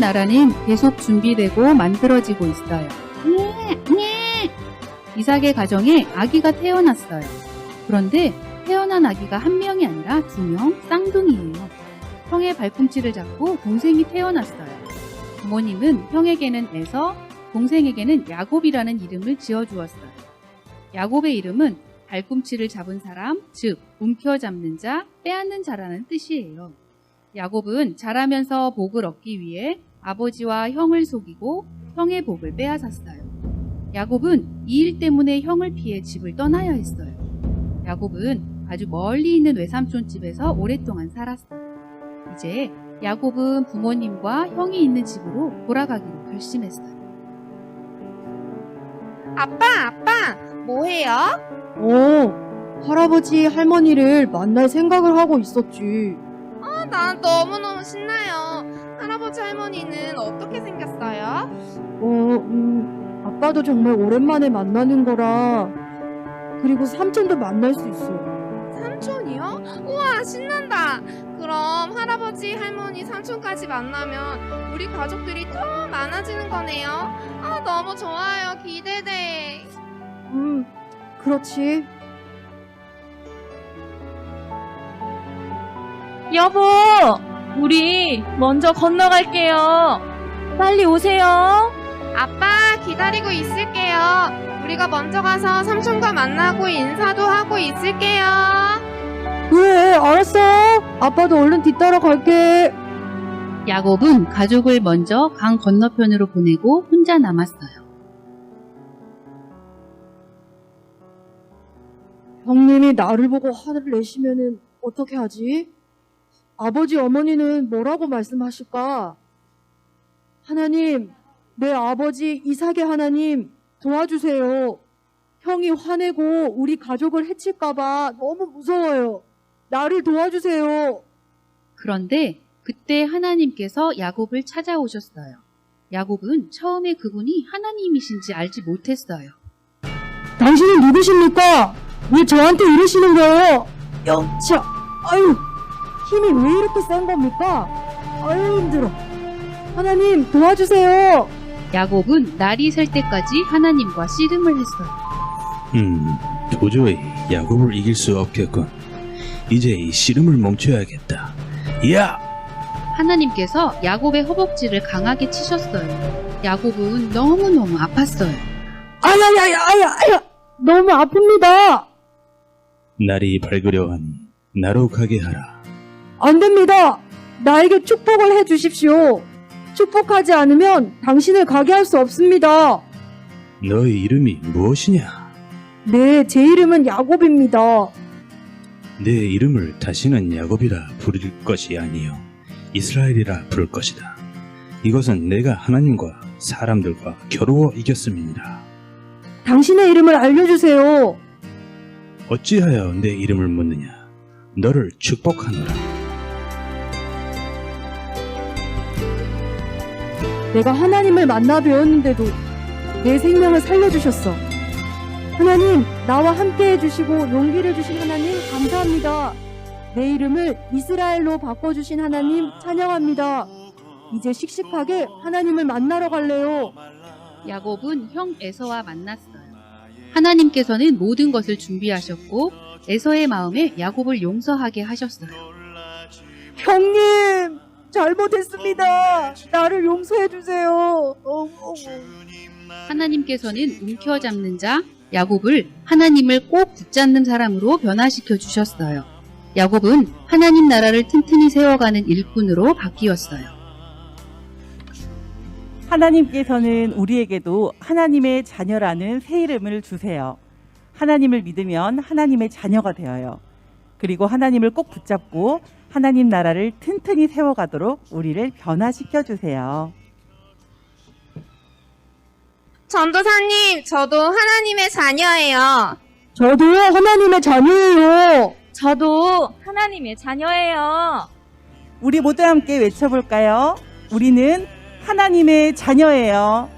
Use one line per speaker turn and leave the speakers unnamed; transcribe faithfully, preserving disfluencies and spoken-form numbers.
나라는 계속 준비되고 만들어지고 있어요. 이삭의 가정에 아기가 태어났어요. 그런데 태어난 아기가 한 명이 아니라 두 명, 쌍둥이예요. 형의 발꿈치를 잡고 동생이 태어났어요. 부모님은 형에게는 에서, 동생에게는 야곱이라는 이름을 지어주었어요. 야곱의 이름은 발꿈치를 잡은 사람, 즉 움켜잡는 자, 빼앗는 자라는 뜻이에요. 야곱은 자라면서 복을 얻기 위해 아버지와 형을 속이고 형의 복을 빼앗았어요. 야곱은 이 일 때문에 형을 피해 집을 떠나야 했어요. 야곱은 아주 멀리 있는 외삼촌 집에서 오랫동안 살았어요. 이제 야곱은 부모님과 형이 있는 집으로 돌아가기로 결심했어요.
아빠, 아빠, 뭐해요?
어, 할아버지, 할머니를 만날 생각을 하고 있었지.
아, 난 너무너무 신나요. 할아버지, 할머니는 어떻게 생겼어요?
어, 음, 아빠도 정말 오랜만에 만나는 거라. 그리고 삼촌도 만날 수 있어.
삼촌이요? 우와, 신난다. 그럼 할아버지, 할머니, 삼촌까지 만나면 우리 가족들이 더 많아지는 거네요. 아, 너무 좋아요. 기대돼.
음, 그렇지.
여보, 우리 먼저 건너갈게요. 빨리 오세요.
아빠, 기다리고 있을게요. 우리가 먼저 가서 삼촌과 만나고 인사도 하고 있을게요.
그래, 알았어. 아빠도 얼른 뒤따라 갈게.
야곱은 가족을 먼저 강 건너편으로 보내고 혼자 남았어요.
형님이 나를 보고 화를 내시면은 어떻게 하지? 아버지, 어머니는 뭐라고 말씀하실까? 하나님, 내 아버지 이삭의 하나님 도와주세요. 형이 화내고 우리 가족을 해칠까봐 너무 무서워요. 나를 도와주세요.
그런데 그때 하나님께서 야곱을 찾아오셨어요. 야곱은 처음에 그분이 하나님이신지 알지 못했어요.
당신은 누구십니까? 왜 저한테 이러시는 거예요? 영차, 아유, 힘이 왜 이렇게 센 겁니까? 아유, 힘들어. 하나님, 도와주세요.
야곱은 날이 셀 때까지 하나님과 씨름을 했어요.
음, 도저히 야곱을 이길 수 없겠군. 이제 이 씨름을 멈춰야겠다. 야!
하나님께서 야곱의 허벅지를 강하게 치셨어요. 야곱은 너무너무 아팠어요.
아야야야, 아야, 아야, 너무 아픕니다.
날이 밝으려 하니 나로 가게 하라.
안 됩니다. 나에게 축복을 해 주십시오. 축복하지 않으면 당신을 가게 할 수 없습니다.
너의 이름이 무엇이냐?
네, 제 이름은 야곱입니다.
내 이름을 다시는 야곱이라 부를 것이 아니요 이스라엘이라 부를 것이다. 이것은 내가 하나님과 사람들과 겨루어 이겼음이니라.
당신의 이름을 알려주세요.
어찌하여 내 이름을 묻느냐? 너를 축복하노라.
내가 하나님을 만나 뵈었는데도 내 생명을 살려주셨어. 하나님, 나와 함께 해주시고 용기를 주신 하나님 감사합니다. 내 이름을 이스라엘로 바꿔주신 하나님 찬양합니다. 이제 씩씩하게 하나님을 만나러 갈래요.
야곱은 형 에서와 만났어요. 하나님께서는 모든 것을 준비하셨고 에서의 마음에 야곱을 용서하게 하셨어요.
형님, 잘못했습니다. 나를 용서해주세요.
하나님께서는 움켜잡는 자 야곱을 하나님을 꼭 붙잡는 사람으로 변화시켜 주셨어요. 야곱은 하나님 나라를 튼튼히 세워가는 일꾼으로 바뀌었어요.
하나님께서는 우리에게도 하나님의 자녀라는 새 이름을 주세요. 하나님을 믿으면 하나님의 자녀가 되어요. 그리고 하나님을 꼭 붙잡고 하나님 나라를 튼튼히 세워가도록 우리를 변화시켜 주세요.
전도사님, 저도 하나님의 자녀예요.
저도 하나님의 자녀예요.
저도 하나님의 자녀예요.
우리 모두 함께 외쳐볼까요? 우리는 하나님의 자녀예요.